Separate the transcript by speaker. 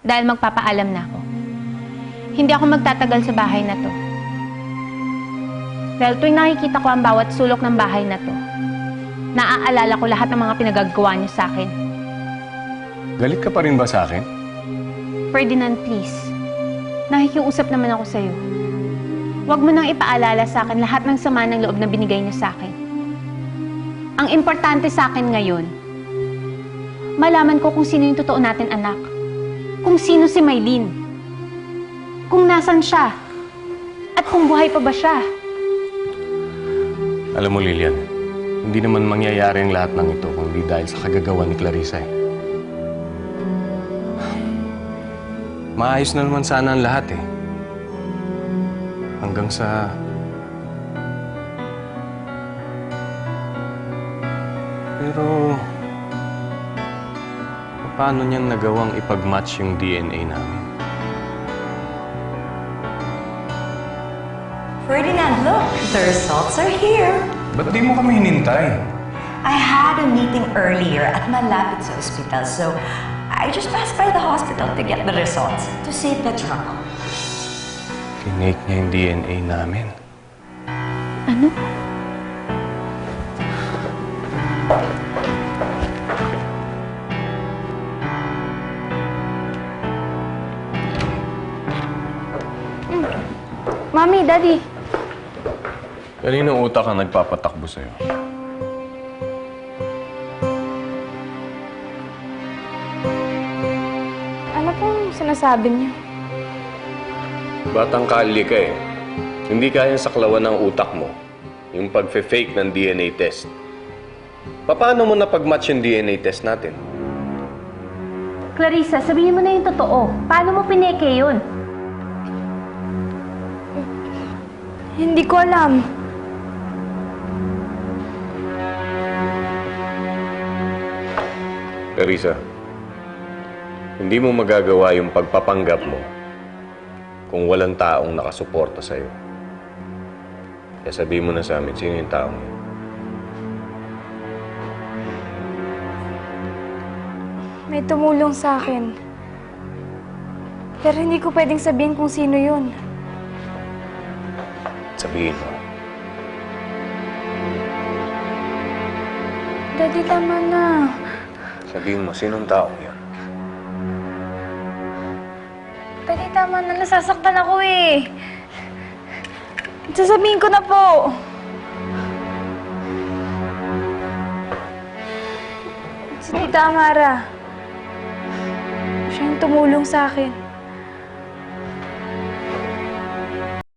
Speaker 1: dahil magpapaalam na ako. Hindi ako magtatagal sa bahay na to. Dahil tuwing nakikita ko ang bawat sulok ng bahay na to, naaalala ko lahat ng mga pinagagawa niyo sa akin.
Speaker 2: Galit ka pa rin ba sa akin?
Speaker 1: Ferdinand, please. Nakikiusap naman ako sa'yo. Huwag mo nang ipaalala sa akin lahat ng sama ng loob na binigay niyo sa akin. Ang importante sa akin ngayon, malaman ko kung sino yung totoo natin anak. Kung sino si Mylene. Kung nasan siya. At kung buhay pa ba siya.
Speaker 2: Alam mo, Lilian, hindi naman mangyayari ang lahat ng ito kung di dahil sa kagagawa ni Clarissa eh. Maayos na naman sana ang lahat eh. Hanggang sa... Pero... paano niyan nagawang ipag-match yung DNA namin?
Speaker 3: Ferdinand, look! The results are here.
Speaker 2: Ba't di mo kami hinintay?
Speaker 3: I had a meeting earlier at malapit sa ospital, so I just passed by the hospital to get the results to save the trouble.
Speaker 2: Tinake niya yung DNA namin.
Speaker 1: Ano? Mami, Daddy.
Speaker 2: Kaninong utak ang nagpapatakbo sa'yo?
Speaker 1: Ano pong sinasabi niyo?
Speaker 2: Batang kalye ka eh. Hindi kayang saklawan ng utak mo yung pag-fake ng DNA test. Paano mo napag-match yung DNA test natin?
Speaker 1: Clarissa, sabihin mo na yung totoo. Paano mo pineke yun? Hindi ko alam.
Speaker 2: Clarissa, hindi mo magagawa yung pagpapanggap mo kung walang taong nakasuporta sa'yo. Kaya sabihin mo na sa amin, sino yung taong yun?
Speaker 4: May tumulong sa akin. Pero hindi ko pwedeng sabihin kung sino yun.
Speaker 2: Sabihin mo.
Speaker 4: Daddy, tama na.
Speaker 2: Sabihin mo, sinong taong yun?
Speaker 4: Daddy, tama na. Nasasaktan ako eh. Sasabihin ko na po. Si Tita Amara. Siya yung tumulong sa akin.